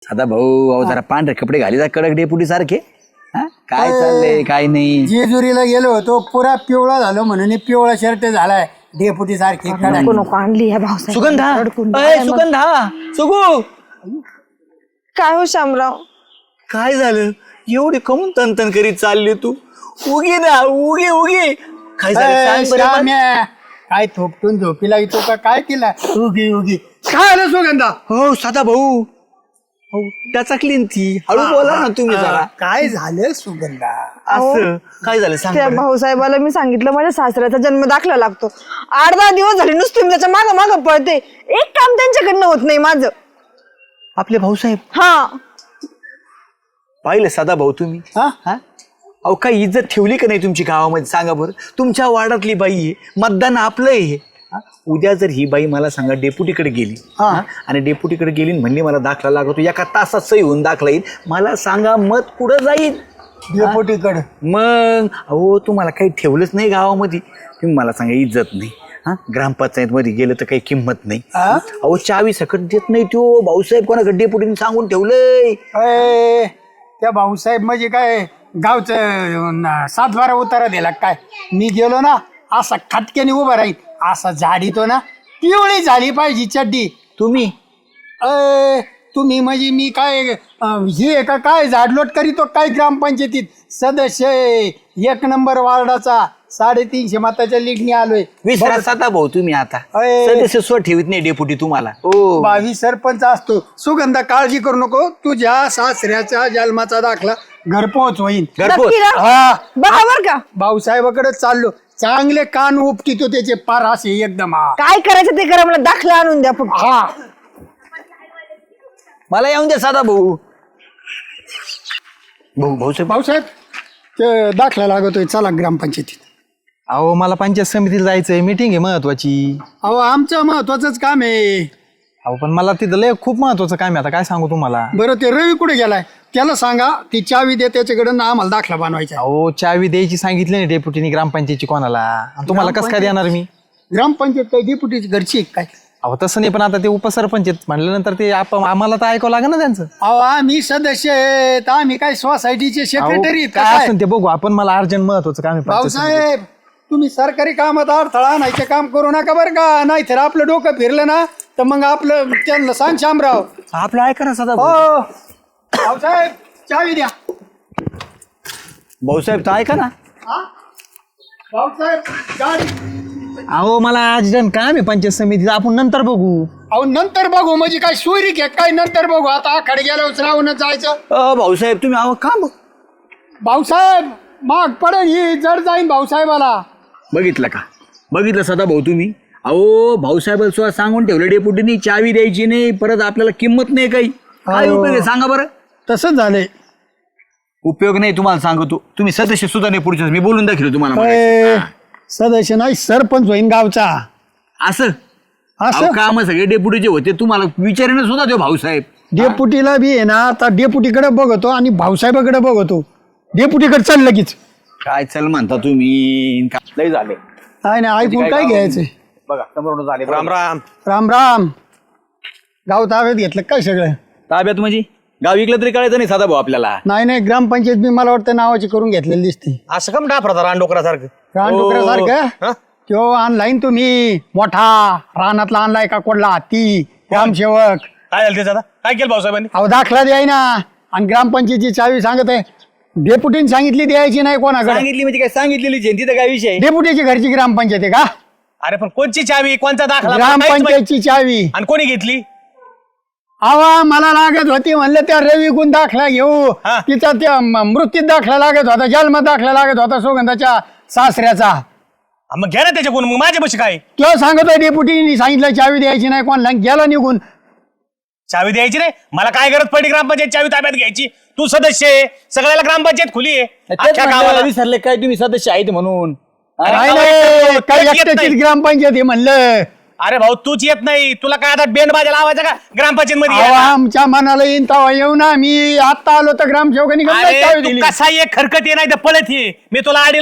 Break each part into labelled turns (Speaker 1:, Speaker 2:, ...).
Speaker 1: साधा भाऊ अहो जरा पांढरे कपडे घाली जा कडक डेपुटी सारखे. काय चाललंय काय नाही.
Speaker 2: जेजुरीला गेलो होतो पुरा पिवळा झालो म्हणून पिवळा शर्ट झालाय डेपुटी सारखी
Speaker 3: नको नको आणली ह्या भाऊसाहेब.
Speaker 1: सुगंधा सुगू
Speaker 3: काय हो शामराव?
Speaker 1: काय झालं एवढी कमून तनतन करीत चालली तू? उगी ना उगी उगी काय झालं सांग बरं मला.
Speaker 2: श्याम्या, काय थोपटून झोपीला येतो का काय तिला उगी उगी काय आलं सुगंधा?
Speaker 1: हो साधा भाऊ त्याचा क्लीन ती हळू बोला ना तुम्ही जरा.
Speaker 2: काय झालं सुगंधा?
Speaker 1: असं काय झालं सांग
Speaker 3: त्या
Speaker 1: बरं.
Speaker 3: भाऊसाहेबाला मी सांगितलं माझ्या सासऱ्याचा जन्म दाखला लागतो. 8-10 दिवस झाले नुसते मी त्याच्या मागं मागं पळते. एक काम त्यांच्याकडनं होत नाही माझं.
Speaker 1: आपले भाऊसाहेब
Speaker 3: हा
Speaker 1: पाहिलं साधा भाऊ तुम्ही.
Speaker 2: हा?
Speaker 1: अहो काही इज्जत ठेवली का नाही तुमची गावामध्ये सांगा बरं. तुमच्या वार्डातली बाई आहे मतदान आपलं आहे. उद्या जर ही बाई मला सांगा डेप्युटीकडे गेली आणि डेप्युटीकडे गेली आणि म्हणली मला दाखला लागतो एका तासात सही होऊन दाखला येईल मला सांगा मत कुठं जाईल
Speaker 2: डेपुटीकडे?
Speaker 1: मग अहो तुम्हाला काही ठेवलंच नाही गावामध्ये तुम्ही मला सांगा इज्जत नाही. ग्रामपंचायत मध्ये गेलं तर काही किंमत नाही. अहो चावी सकट देत नाही तो भाऊसाहेब कोणाकडे डेप्युटीने सांगून ठेवलंय.
Speaker 2: त्या भाऊसाहेब म्हणजे काय गावचं 7-12 उतारा दिला काय? मी गेलो ना असा खटक्याने उभा राहील असा झाडीतो ना पिवळी झाली पाहिजे चड्डी.
Speaker 1: तुम्ही
Speaker 2: तुम्ही म्हणजे मी काय हे का काय झाडलोट करीतो काय ग्रामपंचायतीत सदस्य आहे, 1 नंबर वार्डाचा 350 मताच्या लीडने आलोय.
Speaker 1: विसरा साधा भाऊ तुम्ही आता सदस्य स्व ठेवीत नाही डेप्युटी तुम्हाला.
Speaker 2: 22 सरपंच असतो. सुगंधा काळजी करू नको तुझ्या सासऱ्याचा जन्माचा दाखला घरपोच होईल.
Speaker 3: नक्की ना?
Speaker 2: हा
Speaker 3: बरोबर का?
Speaker 2: भाऊसाहेबाकडे चाललो चांगले कान उपटितो त्याचे पार असे एकदम.
Speaker 3: काय करायचं ते करा मला दाखला आणून द्या फक्त.
Speaker 2: हा
Speaker 1: मला येऊन द्या साधा भाऊ. भाऊसाहेब
Speaker 2: भाऊसाहेब ते दाखला लागतोय चला ग्रामपंचायतीत.
Speaker 4: अहो मला पंचायत समितीला जायचंय मीटिंग आहे महत्वाची.
Speaker 2: अहो आमचं महत्वाचंच काम आहे.
Speaker 4: अहो पण मला तिथं लय खूप महत्वाचं काम आहे आता काय सांगू तुम्हाला.
Speaker 2: बरं ते रवी कुठे गेलाय त्याला सांगा ती चावी दे त्याच्याकडे ना आम्हाला दाखला बनवायचा.
Speaker 4: अहो चावी द्यायची सांगितली नाही डेप्युटीनी ग्रामपंचायतची कोणाला आणि तुम्हाला कसं काय देणार मी.
Speaker 2: ग्रामपंचायत काय डेप्युटीची घरची आहे काय?
Speaker 4: अहो तसं नाही पण आता ते उपसरपंच आहेत म्हणल्यानंतर ते आम्हाला तर ऐकावं लागेल ना त्यांचं.
Speaker 2: अहो आम्ही सदस्य आहेत आम्ही काय सोसायटीचे सेक्रेटरी
Speaker 4: अहो, काय असेल ते बघू आपण मला अर्जंट महत्वाचं काम आहे पंचायत समितीत.
Speaker 2: भाऊसाहेब तुम्ही सरकारी कामात अडथळा आणायचे काम करू नका बरं का नाही तर आपलं डोकं फिरलं ना तर मग आपलं त्यांना सांग शामराव.
Speaker 1: आपलं ऐका ना साधा भाऊ.
Speaker 2: हो भाऊसाहेब चावी द्या.
Speaker 1: भाऊसाहेब तर ऐका ना.
Speaker 2: भाऊसाहेब गाडी.
Speaker 4: अहो मला अर्जंट काम आहे पंचायत समितीत आपण नंतर बघू.
Speaker 2: अहो नंतर बघू म्हणजे काय सोयरी घे काय नंतर बघू आता आखाडे गेल्यावर राहूनच जायचं.
Speaker 1: भाऊसाहेब तुम्ही अहो का
Speaker 2: भाऊसाहेब माग पडेल ही जड जाईन भाऊसाहेबाला.
Speaker 1: बघितलं का बघितलं सदा भाऊ तुम्ही. अहो भाऊसाहेब सुद्धा सांगून ठेवलं डेपुटीनी चावी द्यायची नाही परत आपल्याला किंमत नाही काही. काय उपयोग आहे सांगा बरं.
Speaker 2: तसंच झालंय.
Speaker 1: उपयोग नाही तुम्हाला सांगतो तुम्ही सदस्य सुद्धा नाही पुढच्या मी बोलून दाखवलं तुम्हाला मगाशी.
Speaker 2: सदस्य नाही सरपंच होईन गावचा.
Speaker 1: असं
Speaker 2: असं
Speaker 1: काम सगळे डेप्युटीचे होते तुम्हाला विचारेन सुद्धा तो भाऊसाहेब.
Speaker 2: डेपुटीला बी आहे ना आता डेपुटीकडे बघतो आणि भाऊसाहेबाकडे बघतो. डेपुटीकडे चाल लगेच.
Speaker 1: काय चल म्हणता तुम्ही लय झाले.
Speaker 2: नाही नाही ऐकून काय घ्यायचंय.
Speaker 1: बघा समोर झाले. राम राम.
Speaker 2: राम राम. गाव ताब्यात घेतलं काय सगळं?
Speaker 1: ताब्यात म्हणजे गाव विकलं तरी कळायचं नाही साधा भाऊ आपल्याला.
Speaker 2: नाही नाही ग्रामपंचायत बी मला वाटतं नावाची करून घेतलेली दिसते.
Speaker 1: असं कम डाफरा रानडोकरासारखं.
Speaker 2: रानडुकरासारखं तो ऑनलाईन तुम्ही मोठा रानातला आणलाय का कोडला हत्ती ग्रामसेवक.
Speaker 5: काय झालं त्याचं आता काय केलं भाऊसाहेबांनी?
Speaker 2: अहो दाखला द्याय ना आणि ग्रामपंचायतीची चावी सांगत आहे डेप्युटीने सांगितली द्यायची नाही कोणाकडे.
Speaker 1: सांगितली म्हणजे काय सांगितलेली जयंती तर काय विषय.
Speaker 2: डेप्युटीची घरची ग्रामपंचायत आहे का?
Speaker 5: अरे पण कोणची चावी कोणचा दाखला
Speaker 2: ग्रामपंचायतची चावी.
Speaker 5: आणि कोणी घेतली?
Speaker 2: आवा मला लागत होती म्हणलं त्या रवी गुण दाखला घेऊ.
Speaker 5: हा.
Speaker 2: तिचा त्या मृत्यूत दाखला लागत होता जन्म दाखला लागत होता सुगंधाच्या सासऱ्याचा.
Speaker 5: हा, मग घ्या ना त्याच्याकडून मग माझ्या बशी काय
Speaker 2: तो सांगतोय डेप्युटीने सांगितलं चावी द्यायची नाही कोणाला गेला निघून.
Speaker 5: चावी द्यायची नाही मला काय गरज पडली ग्रामपंचायत चावी ताब्यात घ्यायची? तू सदस्य आहे सगळ्याला ग्रामपंचायत खुली आहे अख्ख्या गावाला.
Speaker 1: विसरले काय तुम्ही सदस्य आहेत म्हणून.
Speaker 2: नाही नाही काही एकट्याचीच ग्रामपंचायत आहे म्हणलं.
Speaker 5: अरे भाऊ तूच येत नाही तुला काय आता बेंड बाजा लावायचा का ग्रामपंचायत मध्ये?
Speaker 2: आमच्या मनाला येईन तेव्हा येऊ ना. मी आता आलो तर ग्रामसेवकांनी
Speaker 5: अरे
Speaker 2: चावी
Speaker 5: तू
Speaker 2: दिली.
Speaker 5: कसा ये खरकत ये नाही तर पळत ये मी तुला आडीला नाही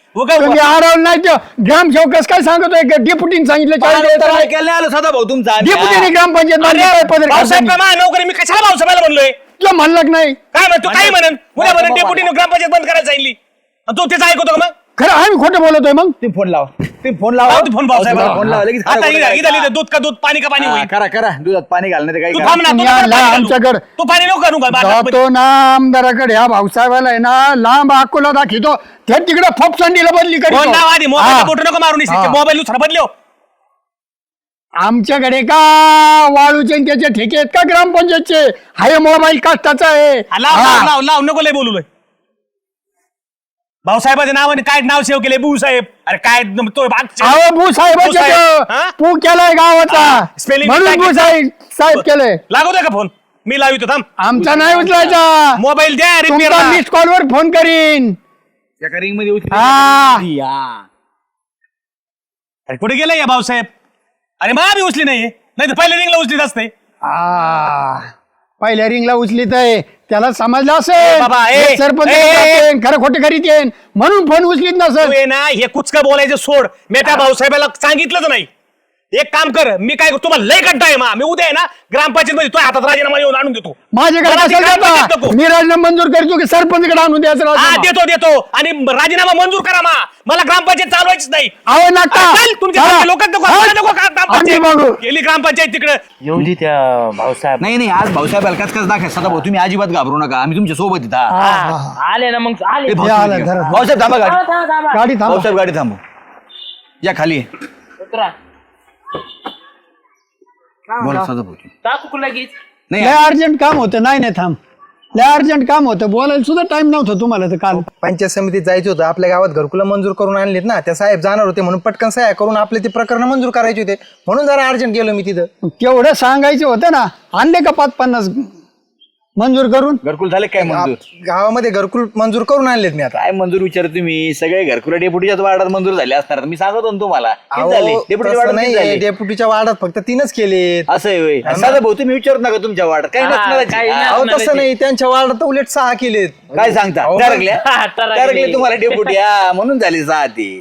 Speaker 2: तुम्ही अडवलं नाही तो ग्रामसेवकच काय सांगतोय डेप्युटीने सांगितलं
Speaker 1: ऐकायला नाही आलं सदा भाऊ तुमचा
Speaker 2: डेप्युटीने ग्रामपंचायत
Speaker 5: भाऊसाहेब नोकरी मी कशाला भाऊसाहेबाला म्हणलोय
Speaker 2: तो म्हणलं नाही
Speaker 5: काय म्हणतो काही म्हणन उद्या म्हणून डेप्युटीने ग्रामपंचायत बंद करायला सांगितली आणि तू त्याचं ऐकतो का मग
Speaker 2: खरं आम्ही खोटं बोलतोय मग
Speaker 1: तुम्ही फोन लावा तुम्ही फोन लावा
Speaker 5: लाव तू फोन भाऊसाहेबाला.
Speaker 1: फोन लावा लगेच
Speaker 5: आता इथं दूध का दूध पाणी का पाणी होईल
Speaker 1: करा करा दुधात पाणी घालणार काही
Speaker 5: तू
Speaker 1: करा.
Speaker 5: थांब ना
Speaker 2: तुम्ही
Speaker 5: तू
Speaker 2: आणला
Speaker 5: पाणी घालू.
Speaker 2: आमच्याकडे.
Speaker 5: तू पाणी नको घालू का
Speaker 2: जातो ना आमदाराकडे ह्या भाऊसाहेबाला आहे ना लांब अकोला दाखवतो ते तिकडे फोपसंडीला बदली
Speaker 5: फोन
Speaker 2: करीतो.
Speaker 5: लाव आधी मोबाईल
Speaker 2: हा.
Speaker 5: बोट नको मारून
Speaker 2: हा.
Speaker 5: मोबाईल दुसरा बदलो
Speaker 2: आमच्याकडे का वाळूचे आणि त्याचे ठेके आहेत का ग्रामपंचायतचे हाय मोबाईल कष्टाचा आहे
Speaker 5: लाव
Speaker 2: हा.
Speaker 5: लाव लाव लाव नको लय बोलू भाऊसाहेबाच्या नावाने काय नाव सेव केले भाऊ साहेब अरे काय तो
Speaker 2: अहो भू साहेबाचे
Speaker 5: भूसाहेब, हा?
Speaker 2: पू केलाय गावाचा
Speaker 5: हा, spelling
Speaker 2: म्हणून
Speaker 5: mistake
Speaker 2: भू साहेब केलंय
Speaker 5: लागवतोय का फोन मी लावितो थांब
Speaker 2: आमचा नाही उचलायचा
Speaker 5: मोबाईल द्या
Speaker 2: तुमचा
Speaker 5: रिपेअर
Speaker 2: मिस कॉल वर फोन करीन
Speaker 1: एका रिंग मध्ये उचलून
Speaker 2: हा.
Speaker 1: या.
Speaker 5: अरे कुठे गेलाय या भाऊसाहेब अरे मा बी उचली नाही तर पहिल्या रिंगला उचलीत असते
Speaker 2: पहिल्या रिंगला उचलीत आहे त्याला समजलं
Speaker 5: बाबा,
Speaker 2: असेल सरपंच खरं खोटं करीत येईन म्हणून फोन उचलीत
Speaker 5: तू
Speaker 2: नसेल
Speaker 5: ये ना हे कुचकं बोलायचं सोड मी त्या भाऊसाहेबाला सांगितलंच नाही एक काम कर मी काय करतो तुम्हाला लय कंटाळ आहे मा मी उद्या आहे ना ग्रामपंचायत मध्ये तुझ्या हातात राजीनामा येऊन आणून देतो
Speaker 2: माझ्याकडे
Speaker 5: मला ती
Speaker 2: असेल
Speaker 5: ग्रामपंचायत
Speaker 2: का?
Speaker 5: नको.
Speaker 2: मी राजीनामा मंजूर करतो की सरपंचकडे आणून द्यायचं
Speaker 5: हा
Speaker 2: राजीनामा?
Speaker 5: देतो देतो आणि राजीनामा मंजूर करा मा मला ग्रामपंचायत चालवायचीच नाही
Speaker 2: अहो नका
Speaker 5: चल, तुमच्या
Speaker 2: चला.
Speaker 5: लोक नको
Speaker 2: हा.
Speaker 5: मला नको का
Speaker 2: आम्ही बघू.
Speaker 5: ग्रामपंचायत गेली ग्रामपंचायत तिकडे
Speaker 6: येऊ दे त्या भाऊसाहेब
Speaker 1: नाही नाही आज भाऊसाहेब अलकाच कस दाखवा सदा भाऊ तुम्ही अजिबात घाबरू नका आम्ही तुमच्या सोबत येत आहात.
Speaker 2: हा, हा.
Speaker 6: आले ना मग आले
Speaker 1: ए, भाऊ,
Speaker 2: हे आलं,
Speaker 1: तुम्ही
Speaker 2: घरात.
Speaker 1: घ्या. भाऊसाहेब थांबा गाडी
Speaker 2: गाडी थांबा
Speaker 1: भाऊसाहेब गाडी थांबू या खाली ये.
Speaker 6: उतरा
Speaker 1: बोला सदा भाऊ
Speaker 6: टाकू लगेच
Speaker 1: नाही
Speaker 2: लय अर्जंट काम होतं नाही नाही थांब लय अर्जंट काम होतं बोलायला सुद्धा टाइम नव्हता तुम्हाला तर काल
Speaker 4: पंचायत समितीत जायचं होतं आपल्या गावात घरकुला मंजूर करून आणलीत ना त्या साहेब जाणार होते म्हणून पटकन सह्या करून आपले ते प्रकरण मंजूर करायचे होते म्हणून जरा अर्जंट गेलो मी तिथं
Speaker 2: केवढं सांगायचं होतं ना आणले का 5-50 मंजूर करून
Speaker 1: घरकुल झाले काय मंजूर
Speaker 4: गावामध्ये घरकुल मंजूर करून आणलेत मी आता
Speaker 1: काय मंजूर विचार तुम्ही सगळे घरकुला डेपुटीच्याच वार्डात मंजूर झाले असणार मी सांगतो ना तुम्हाला किती
Speaker 4: अहो,
Speaker 1: झाले? डेपुटीच्या
Speaker 4: तसं
Speaker 1: वार्डात किती
Speaker 4: नाही
Speaker 1: झाले?
Speaker 4: डेप्युटीच्या वार्डात फक्त 3च केलेत
Speaker 1: असं आहे होय. सदा भाऊ तुम्ही विचारत नका तुमच्या वार्डात काही नसणारच आहे. हा.
Speaker 4: अहो तसं नाही त्यांच्या वार्डात उलट 6 केलेत
Speaker 1: काय सांगता
Speaker 4: अहो,
Speaker 1: टरकल्या
Speaker 6: टरकले.
Speaker 1: टरकले तुम्हाला डेपुटी हा म्हणून झाली सहा ती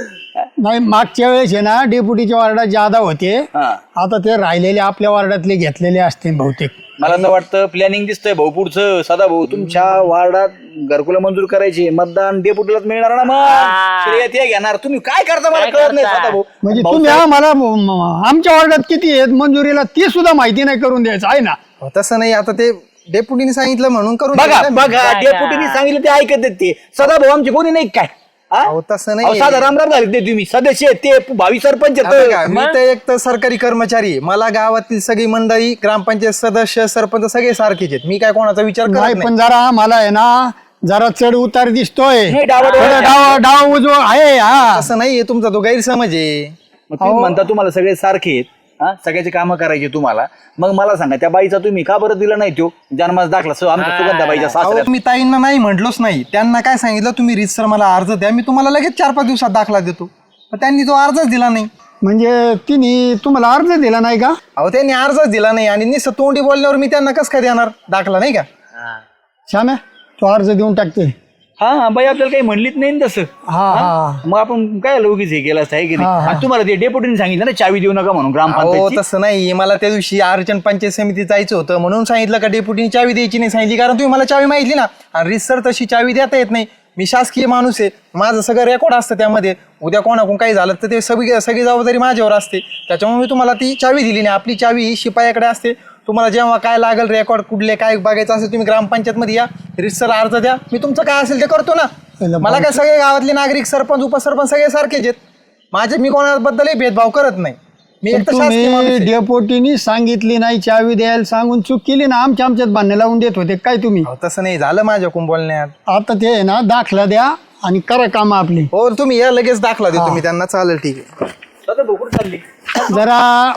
Speaker 2: नाही मागच्या वेळेस आहे ना डेप्युटीच्या वार्डात जादा होते
Speaker 1: हा
Speaker 2: आता ते राहिलेले आपल्या वार्डातले घेतलेले असतील बहुतेक
Speaker 1: मला तर वाटतं प्लॅनिंग दिसतंय भाऊ पुढचं सदा भाऊ तुमच्या वार्डात घरकुला मंजूर करायची मतदान डेपुटीलाच मिळणार ना मग श्रेय ते घेणार तुम्ही काय करता मला
Speaker 6: काय
Speaker 1: कळत नाही
Speaker 6: करता?
Speaker 1: सदा भाऊ
Speaker 2: म्हणजे तुम्ही आम्हाला आमच्या वार्डात किती आहेत मंजुरीला ती सुद्धा माहिती नाही करून द्यायचं आहे ना
Speaker 4: अहो, तसं नाही आता ते डेप्युटीने सांगितलं म्हणून करून
Speaker 1: बघा
Speaker 4: दिलं ना मी.
Speaker 1: बघा डेपुटीने सांगितलं ते ऐकत आहेत ते सदा भाऊ आमचे कोणी नाही काय हा?
Speaker 4: अहो, तसं नाही.
Speaker 1: अहो, साधा रामराम झाले ते तुम्ही सदस्य आहेत, ते भावी सरपंच आहेत.
Speaker 4: आता बघा, मी तर एक तर सरकारी कर्मचारी आहे. मला गावातील सगळी मंडळी ग्रामपंचायत सदस्य सरपंच सगळे सारखेच आहेत मी काय कोणाचा विचार करत
Speaker 2: नाही
Speaker 4: नाही
Speaker 2: पण जरा आम्हाला आहे ना जरा चढ उतार दिसतोय
Speaker 1: नाही, डावाडोळ
Speaker 2: थोडं डाव उजव आहे हा
Speaker 4: असं नाहीये तुमचा तो गैरसमज आहे
Speaker 1: मग तुम्ही म्हणता तुम्हाला सगळे सारखे आहेत हा सगळ्याचे कामं करायचे तुम्हाला मग मला सांगा त्या बाईचा तुम्ही का बरं दिला नाही तो जन्मास दाखला आमच्या सुगंधाबाईच्या
Speaker 4: अहो,
Speaker 1: सासऱ्यात
Speaker 4: मी ताईंना नाही म्हटलोच नाही त्यांना काय सांगितलं तुम्ही रीतसर मला अर्ज द्या मी तुम्हाला लगेच 4-5 दिवसात दाखला देतो पण त्यांनी तो अर्जच दिला नाही
Speaker 2: म्हणजे तिने तुम्हाला अर्ज दिला नाही का
Speaker 4: अहो त्यांनी अर्जच दिला नाही आणि निस तोंडी बोलल्यावर मी त्यांना कसं काय देणार दाखला नाही का
Speaker 2: श्याम्या तो अर्ज देऊन टाकते
Speaker 1: हा बाई आपल्याला काही म्हणलीच नाही ना तसं
Speaker 2: हा हा
Speaker 1: मग आपण काय लोकीच हे केलं असतं आहे की
Speaker 2: हा,
Speaker 1: नाही
Speaker 2: हा.
Speaker 1: आणि तुम्हाला ते डेप्युटीने सांगितलं ना चावी देऊ नका म्हणून
Speaker 4: अहो
Speaker 1: ग्रामपंचायत
Speaker 4: तसं नाही मला त्या दिवशी अर्चन पंचायत समितीत जायचं होतं म्हणून सांगितलं का डेप्युटीने चावी द्यायची नाही सांगितली कारण तुम्ही मला चावी माहितली ना आणि रीतसर तशी चावी देता येत नाही मी शासकीय माणूस आहे माझं सगळं रेकॉर्ड असतं त्यामध्ये उद्या कोणाकडून काही झालं तर ते सगळी जबाबदारी माझ्यावर असते त्याच्यामुळे मी तुम्हाला ती चावी दिली नाही आपली चावी ही शिपायाकडे असते तुम्हाला जेव्हा काय लागेल रेकॉर्ड कुठले काय बघायचं असेल तुम्ही ग्रामपंचायतमध्ये या रीतसर अर्ज द्या मी तुमचं काय असेल ते करतो ना मला काय सगळे गावातले नागरिक सरपंच उपसरपंच सगळे सारखेच आहेत माझे मी कोणाबद्दलही भेदभाव करत नाही मी एक तर शासकीय माणूस
Speaker 2: तुम्ही
Speaker 4: आहे.
Speaker 2: डेपोटीनी सांगितली नाही चावी द्यायला सांगून चूक केली ना आमच्यात भांडण लावून देत होते काय तुम्ही
Speaker 4: अहो, तसं नाही झालं माझ्याकडून बोलण्यात
Speaker 2: आता ते आहे ना दाखला द्या आणि करा काम आपली
Speaker 4: हो तुम्ही या लगेच दाखला देतो मी त्यांना चालेल ठीक आहे
Speaker 1: चालली
Speaker 2: जरा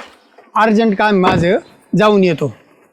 Speaker 2: अर्जंट काम माझं जाऊन येतो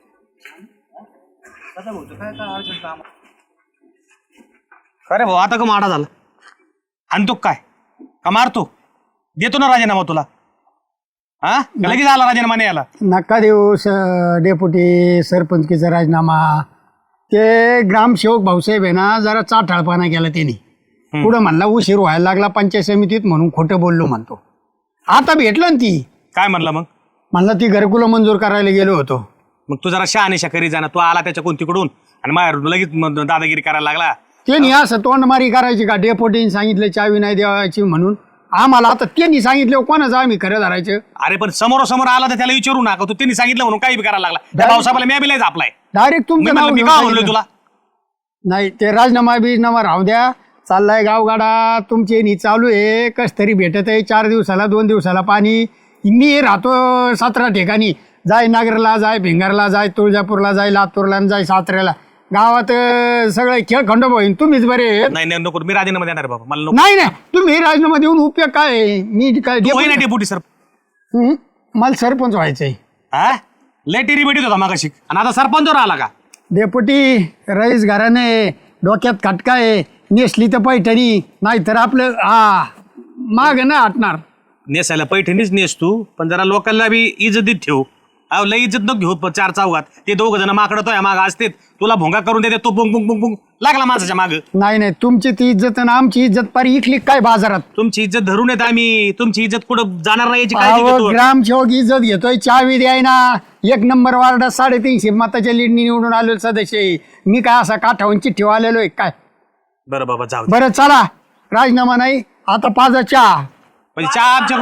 Speaker 5: अरे भाऊ आता का माडा झाला आणतो काय का मारतो देतो ना राजीनामा तुला हा का लगेच आला राजीनामा नाही आला
Speaker 2: नका देऊ डेपुटी सरपंचकीचा राजीनामा ते ग्रामसेवक भाऊसाहेब आहे ना जरा चाठाळपणा केला त्यांनी पुढं म्हणला उशीर व्हायला लागला पंचायत समितीत म्हणून खोटं बोललो म्हणतो. आता भेटलं ना ती,
Speaker 5: काय म्हणला मग?
Speaker 2: म्हणला ती घरकुलं मंजूर करायला गेलो होतो.
Speaker 5: मग तू जरा शहानिशा करी जाणार. तू आला त्याच्या कोणतीकडून आणि माझ्यावर लगेच दादागिरी करायला लागला.
Speaker 2: त्यांनी असं तोंडमारी करायची का? डेपोटीने सांगितलं चावी नाही द्यायची म्हणून आम्हाला. आता त्यांनी सांगितलं कोणाचं आम्ही खरं धरायचं?
Speaker 5: अरे पण समोरासमोर आला तर त्याला विचारू नका. तू त्यांनी सांगितलं म्हणून काही बी करायला लागला. त्या भाऊसाहेबाला मी बिलायच आपलाय.
Speaker 2: डायरेक्ट तुमचं नाव
Speaker 5: मी
Speaker 2: घेऊन
Speaker 5: का म्हणलो
Speaker 2: सांगितलं.
Speaker 5: तुला?
Speaker 2: नाही ते राजीनामा बिजनामा राहू द्या. चाललाय गावगाडा तुमचे नी चालू आहे. कस तरी भेटत आहे 4 दिवसाला 2 दिवसाला पाणी. मी राहतो 17 ठिकाणी. जाय नागरला, जाय भिंगारला, जाय तुळजापूरला, जाय लातूरला, जाय साताऱ्याला. गावात सगळे खेळ खंडोबा होईन. तुम्हीच बरे आहेत.
Speaker 5: नाही नको, मी राजीनामा देणार बाबा. मला नको.
Speaker 2: नाही तुम्ही राजीनामा देऊन उपयोग काय आहे? मी काय
Speaker 5: तू होई ना डेप्युटी सर.
Speaker 2: मला सरपंच व्हायचंय.
Speaker 5: हा लय टेरी भेटीत होता मागाशी आणि आता सरपंचवर आला का?
Speaker 2: डेपुटी रईस घराने डोक्यात खटका आहे. नेसली तर पैठणी, नाहीतर आपलं माग ना हटणार.
Speaker 5: नेसायला पैठणीच नेस तू, पण जरा लोकांना बी इज्जतीत ठेव. अहो लय इज्जत नको घेऊ 4 चौघात. ते 2 जण माकडतोय माग असते, तुला भोंगा करून देते. तो बुंग बुंग बुंग बुंग लागला माणसाच्या माग.
Speaker 2: नाही तुमची ती इज्जत आणि आमची इज्जत पारी इकली काय बाजारात?
Speaker 5: तुमची इज्जत धरून येत आम्ही. तुमची इज्जत कुठं जाणार नाही याची काळजी घेतो.
Speaker 2: ग्रामसेवक इज्जत घेतोय. चावी द्याय ना. 1 नंबर वार्डात 350 मताच्या लीडनी निवडून आलेलो सदस्य आहे. मी काय असा काठावून चिठ्ठी आलेलो आहे काय?
Speaker 5: बरं बाबा जाऊ दे.
Speaker 2: बरं चला, राजीनामा नाही आता पाजा चहा.
Speaker 5: म्हणजे चहा आमच्या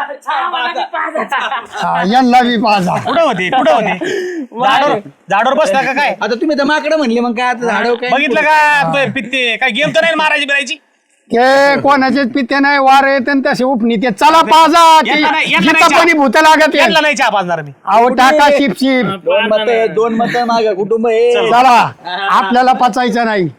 Speaker 2: यांना बी पाजा.
Speaker 5: कुठं होते झाडावर बसला का काय?
Speaker 1: आता तुम्ही तर माकडं म्हणले, मग काय आता झाडव काय?
Speaker 5: बघितलं का तो पित्ते काय गेम तर नाही मारायची बिरायची.
Speaker 2: ते कोणाचेच पित्ते नाही, वार येत आणि तसे उपनी ते. चला पाजा.
Speaker 5: यांना नाही
Speaker 2: पण भूत लागत आहे.
Speaker 5: यांना नाही चहा पाजणार मी.
Speaker 2: अहो टाका शिप
Speaker 1: 2 मत माग कुटुंब आहे.
Speaker 2: चला आपल्याला पचायचं नाही.